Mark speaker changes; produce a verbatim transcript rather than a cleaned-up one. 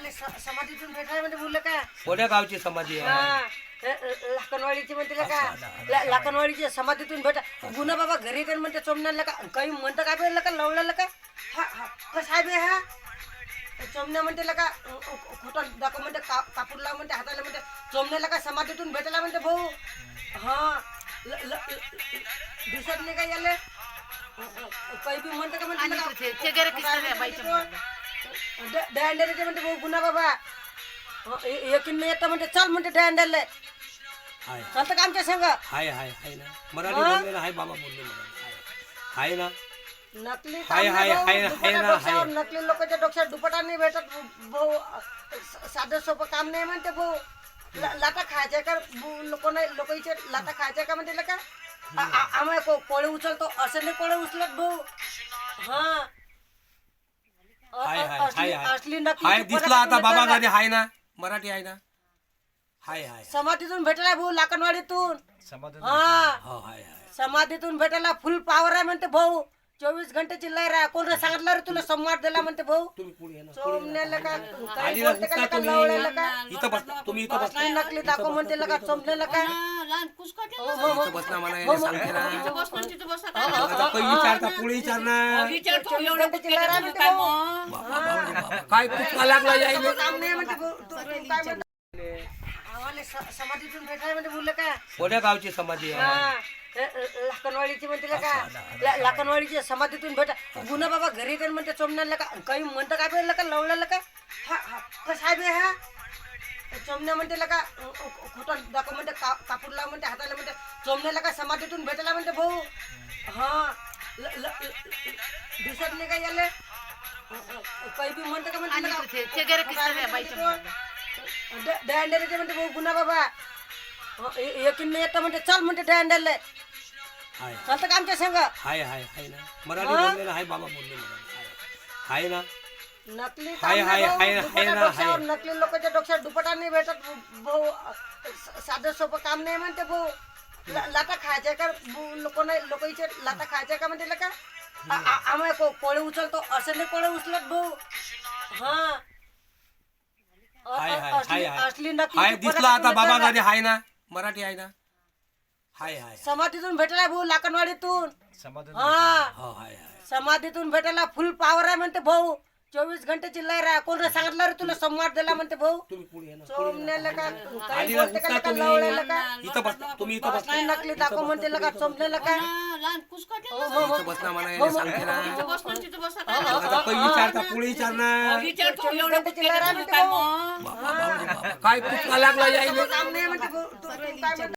Speaker 1: गावाला स- समाधीतून भेटायला म्हणजे बोललं का
Speaker 2: कोण्या गावची समाधी आहे?
Speaker 1: हा लाकणवाडीची म्हणते का ला- लाकणवाडीची समाधीतून भेटा गुन्हा बाबा घरी येते म्हणते चोमण्याला का काही म्हणतं काय बेलं का लवळाला का हा हा कसं आहे बे हा चोमण्या म्हणते का खोटं दाखव म्हणते का कापूर लाव म्हणते हाताला म्हणते चोमण्याला का समाधीतून भेटायला म्हणते भाऊ हा ल- ल- ल- दिसत नाही का याले काही बी म्हणतं का म्हणते डॅन्डरचे म्हणते भाऊ गुन्हा बाबा एकीन नाही येतं म्हणते चल म्हणते डॅन्डरले
Speaker 2: हाय
Speaker 1: चालतं का आमच्या संग
Speaker 2: हाय हाय हाय ना मराठी बोललेलं हाय बाबा बोलले मराठी हाय ना
Speaker 1: नकली
Speaker 2: हाय,
Speaker 1: काम
Speaker 2: हाय,
Speaker 1: नाही भाऊ,
Speaker 2: हाय, हाय
Speaker 1: दुपटा
Speaker 2: ना,
Speaker 1: डोक्यावर,
Speaker 2: हाय.
Speaker 1: नकली लोकांच्या डोक्यात दुपटा नाही भेटत भाऊ स- साधं सोपं काम नाही म्हणते भाऊ ला- लाटा खायच्या का लोक नाही लोक इथे लाटा खायच्या का म्हणते का आ- आ- आम्हाला को- कोळे उचलतो असं नाही कोळे उचलत भाऊ हा अ-
Speaker 2: हाय
Speaker 1: अ-
Speaker 2: हाय
Speaker 1: असली
Speaker 2: हाय
Speaker 1: असली नकली
Speaker 2: हाय
Speaker 1: दुपटा
Speaker 2: दिसला आता
Speaker 1: तुम्ही
Speaker 2: बाबा
Speaker 1: करा.
Speaker 2: गादी हाय ना मराठी आहे ना हाय हाय
Speaker 1: समाधीतून भेटलाय भाऊ लाकणवाडीतून
Speaker 3: समाधान
Speaker 1: हा
Speaker 2: हो हाय हाय
Speaker 1: समाधीतून भेटायला फुल पावर आहे म्हणते भाऊ चोवीस घंटेची लहर आहे कोण सांगितलं रे तुला संवाद दिला म्हणते भाऊ
Speaker 2: तुम्ही पुढे या ना
Speaker 1: चोमण्याला का
Speaker 2: आधी
Speaker 1: काही
Speaker 2: ना
Speaker 1: बोलते का
Speaker 2: उठता
Speaker 1: लका
Speaker 2: तुम्ही.
Speaker 1: लवळ्याला का
Speaker 2: इथं बस तुम्ही इथं बस
Speaker 1: असली नकली दाखव म्हणते का चोमण्याला का हो, हो, हो.
Speaker 2: इथं बस ना मला हे सांगते ना आता काही
Speaker 1: हा,
Speaker 2: विचारता पुढे विचारणार
Speaker 1: चोवीस घंटेची लहर आहे म्हणते भाऊ
Speaker 2: बाबा, बाबा, बाबा, काय कुठला लागला यायले
Speaker 1: काम नाही म्हणते भाऊ तू- तू काय म्हणते आम्हाला स- समाधीतून भेटायला म्हणजे बोललं का
Speaker 2: कोण्या गावची समाधी आहे?
Speaker 1: हा लाकणवाडीची म्हणते का ला- लाकणवाडीची समाधीतून भेटा गुन्हा बाबा घरी येते म्हणते चोमण्याला का काही म्हणतं काय बेलं का लवळाला का हा हा कसं आहे बे हा चोमण्या म्हणते का खोटं दाखव म्हणते का कापूर लाव म्हणते हाताला म्हणते चोमण्याला का समाधीतून भेटायला म्हणते भाऊ हा ल- ल- ल- दिसत नाही का याले काही बी म्हणतं का म्हणते डॅन्डरचे म्हणते भाऊ गुन्हा बाबा एकीन नाही येतं म्हणते चल म्हणते डॅन्डरले
Speaker 2: हाय
Speaker 1: चालतं का आमच्या संग
Speaker 2: हाय हाय हाय ना मराठी बोललेलं हाय बाबा बोलले मराठी हाय ना
Speaker 1: नकली
Speaker 2: हाय,
Speaker 1: काम
Speaker 2: हाय,
Speaker 1: नाही भाऊ,
Speaker 2: हाय,
Speaker 1: दुपटा
Speaker 2: हाय ना,
Speaker 1: डोक्यावर,
Speaker 2: हाय.
Speaker 1: नकली लोकांच्या डोक्यात दुपटा नाही भेटत भाऊ स- साधं सोपं काम नाही म्हणते भाऊ ला- लाटा खायच्या का लोक नाही लोक इथे लाटा खायच्या का म्हणते का आ- आ- आम्हाला को- कोळे उचलतो असं नाही कोळे उचलत भाऊ हा अ-
Speaker 2: हाय
Speaker 1: अ-
Speaker 2: हाय
Speaker 1: असली
Speaker 2: हाय
Speaker 1: असली नकली
Speaker 2: हाय
Speaker 1: दुपटा
Speaker 2: दिसला आता
Speaker 1: तुम्ही
Speaker 2: बाबा
Speaker 1: करा.
Speaker 2: गादी हाय ना मराठी आहे ना हाय हाय
Speaker 1: समाधीतून भेटलाय भाऊ लाकणवाडीतून
Speaker 3: समाधान
Speaker 1: हा
Speaker 2: हो हाय हाय
Speaker 1: समाधीतून भेटायला फुल पावर आहे म्हणते भाऊ चोवीस घंटेची लहर आहे कोण सांगितलं रे तुला संवाद दिला म्हणते भाऊ
Speaker 2: तुम्ही पुढे या ना
Speaker 1: चोमण्याला का
Speaker 2: आधी
Speaker 1: काही
Speaker 2: ना
Speaker 1: बोलते का
Speaker 2: उठता
Speaker 1: लका
Speaker 2: तुम्ही.
Speaker 1: लवळ्याला का
Speaker 2: इथं बस तुम्ही इथं बस
Speaker 1: असली नकली दाखव म्हणते का चोमण्याला का हो, हो, हो.
Speaker 2: इथं बस ना मला हे सांगते ना आता काही
Speaker 1: हा.
Speaker 2: विचारता पुढे विचारणार
Speaker 1: चोवीस घंटेची लहर आहे म्हणते भाऊ
Speaker 2: बाबा, बाबा, बाबा, काय कुठला लागला यायले
Speaker 1: काम नाही म्हणते भाऊ तू- तू काय म्हणते